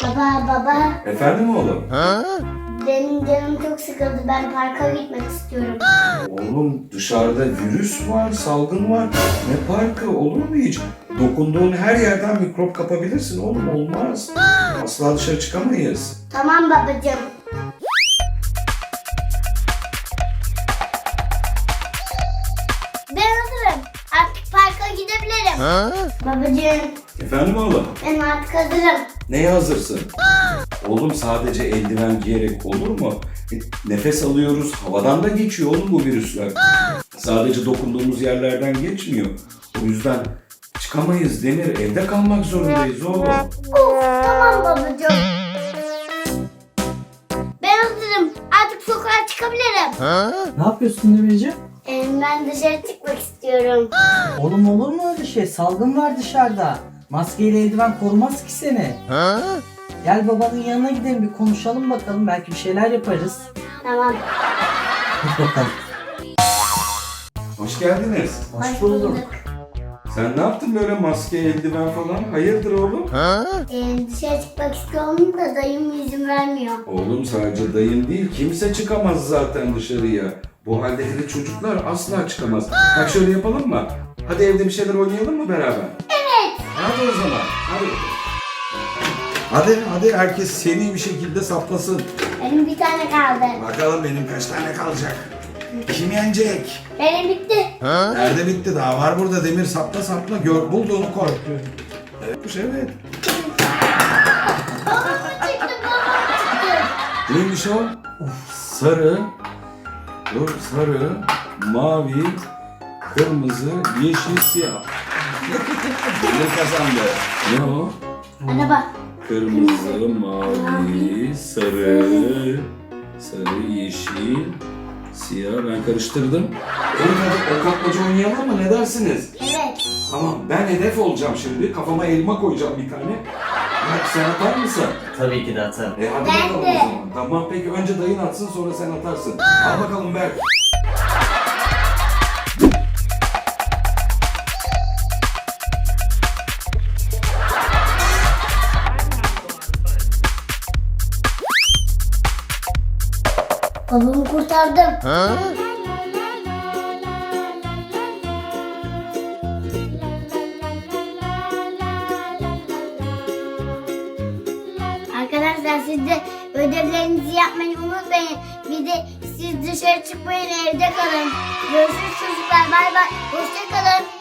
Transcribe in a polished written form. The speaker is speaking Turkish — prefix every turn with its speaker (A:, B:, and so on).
A: Baba.
B: Efendim oğlum?
A: Benim canım çok sıkıldı. Ben parka gitmek istiyorum.
B: Oğlum dışarıda virüs var, salgın var. Ne parkı olur mu hiç? Dokunduğun her yerden mikrop kapabilirsin oğlum, olmaz. Asla dışarı çıkamayız.
A: Tamam babacığım. Ben hazırım. Artık parka gidebilirim. Babacığım
B: Efendim oğlum?
A: ben artık hazırım.
B: Neye hazırsın? Oğlum sadece eldiven giyerek olur mu? Nefes alıyoruz, havadan da geçiyor oğlum bu virüsler. Sadece dokunduğumuz yerlerden geçmiyor. O yüzden çıkamayız Demir, evde kalmak zorundayız oğlum.
A: Of tamam babacığım. Ben hazırım. Artık sokağa çıkabilirim.
C: Ne yapıyorsun Demirciğim?
A: Ben dışarı çıkmak istiyorum.
C: Oğlum olur mu öyle şey? Salgın var dışarıda. Maskeyle eldiven korumaz ki seni. Gel babanın yanına gidelim bir konuşalım bakalım. Belki bir şeyler yaparız.
A: Tamam.
C: Hadi bakalım.
B: Hoş geldiniz.
C: Hoş bulduk.
B: Sen ne yaptın böyle maske, eldiven falan? Hayırdır oğlum?
A: Dışarı çıkmak istiyorum da dayım izin vermiyor.
B: Oğlum sadece dayın değil, kimse çıkamaz zaten dışarıya. Bu halde hele çocuklar asla çıkamaz. Bak şöyle yapalım mı? Hadi evde bir şeyler oynayalım mı beraber?
A: Evet.
B: Hadi o zaman. Hadi herkes seri bir şekilde saplasın.
A: Benim bir tane kaldı.
B: Bakalım benim kaç tane kalacak? Kim yenecek?
A: Benim bitti.
B: Nerede bitti? Daha var burada Demir, sapla. Bulduğunu koy. Evet.
A: Babam çıktı.
B: Neymiş o? Sarı. Sarı, mavi, kırmızı, yeşil, siyah. Ne kazandı? Ne o?
A: Araba.
B: Kırmızı, mavi, sarı, yeşil, siyah. Ben karıştırdım. Hadi o kapmaca oynayalım mı? Ne dersiniz?
A: Evet.
B: Tamam, ben hedef olacağım şimdi. Kafama elma koyacağım bir tane. Bak sen atar mısın?
C: Tabii ki de atarım.
B: Hadi
A: Ben
B: bakalım
A: de.
B: o zaman. Tamam peki, önce dayın atsın sonra sen atarsın. Al bakalım Berk.
A: Babamı kurtardım. Arkadaşlar siz de ödevlerinizi yapmayı unutmayın. Bir de siz dışarı çıkmayın, evde kalın. Görüşürüz çocuklar. Bay bay. Hoşça kalın.